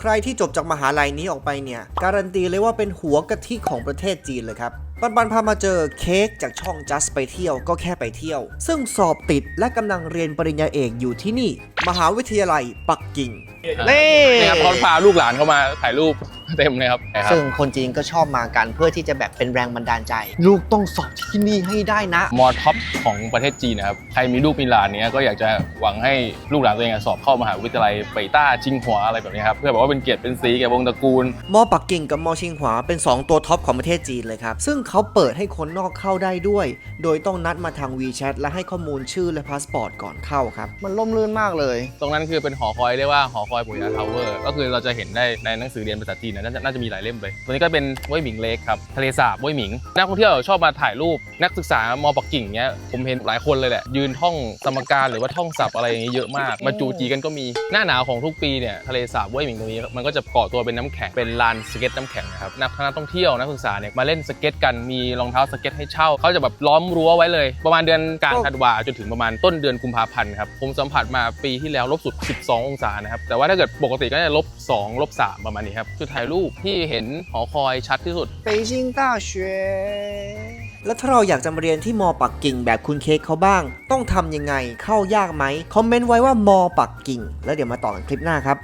ใครที่จบจากมหาลัยนี้ออกไปเนี่ยการันตีเลยว่าเป็นหัวกะทิของประเทศจีนเลยครับปันพามาเจอเค้กจากช่อง Just ไปเที่ยวก็แค่ไปเที่ยวซึ่งสอบติดและกำลังเรียนปริญญาเอกอยู่ที่นี่มหาวิทยาลัยปักกิ่งนี่ครับเขาพาลูกหลานเข้ามาถ่ายรูปเต็มเลยครับซึ่งคนจีนก็ชอบมากันเพื่อที่จะแบบเป็นแรงบันดาลใจลูกต้องสอบที่นี่ให้ได้นะมอท็อปของประเทศจีนนะครับใครมีลูกมีหลานเนี้ยก็อยากจะหวังให้ลูกหลานตัวเองสอบเข้ามหาวิทยาลัยเป่ยต้าจิงหัวอะไรแบบนี้ครับเพื่อแบบว่าเป็นเกียรติเป็นศรีแก่วงตระกูลมอปักกิ่งกับมอชิงหวาเป็น2ตัวท็อปของประเทศจีนเลยครับซึ่งเขาเปิดให้คนนอกเข้าได้ด้วยโดยต้องนัดมาทาง WeChat และให้ข้อมูลชื่อและพาสปอร์ตก่อนเข้าครับมันล่มลื่นมากเลยตรงนั้นคือเป็นหอคอยเรียกว่าหอคอยปุยยาทาวเวอร์ก็คือเราจะเห็นได้ในหนังสือเรียนภาษาจีนน่าจะมีหลายเล่มเลยตัวนี้ก็เป็นห้วยหมิงเลคครับทะเลสาบห้วยหมิงนักท่องเที่ยวชอบมาถ่ายรูปนักศึกษามอปักกิ่งเนี้ยผมเห็นหลายคนเลยแหละยืนท่องสมการหรือว่าท่องศัพท์อะไรอย่างเงี้ยเยอะมากมาจูจีกันก็มีหน้าหนาวของทุกปีเนี่ยทะเลสาบห้วยหมิงตรงนี้มันก็จะก่อตัวเป็นน้ำแข็งเป็นลานสเก็ตน้ำแข็งนะครับนักท่องเที่ยวนักศึกษาเนี่ยมาเล่นสเก็ตกันมีรองเท้าสเก็ตให้เช่าเขาจะแบบล้อมรั้วไว้เลยประมาณเดือนกลางธันวาจนถึงประมาณต้นเดือนกุมภาพันธ์ครับผมสัมผัสมาปีที่แล้วลบสุด12องศานะครับแต่ว่าถ้าเกิดปกติก็จะ-2 -3ประมาณนี้ครับจุดถ่ายรูปที่เห็นหอคอยชัดที่สุด北京大学แล้วถ้าเราอยากจะมาเรียนที่มอปักกิ่งแบบคุณเค้กเขาบ้างต้องทำยังไงเข้ายากไหมคอมเมนต์ไว้ว่ามอปักกิ่งแล้วเดี๋ยวมาต่อกันคลิปหน้าครับ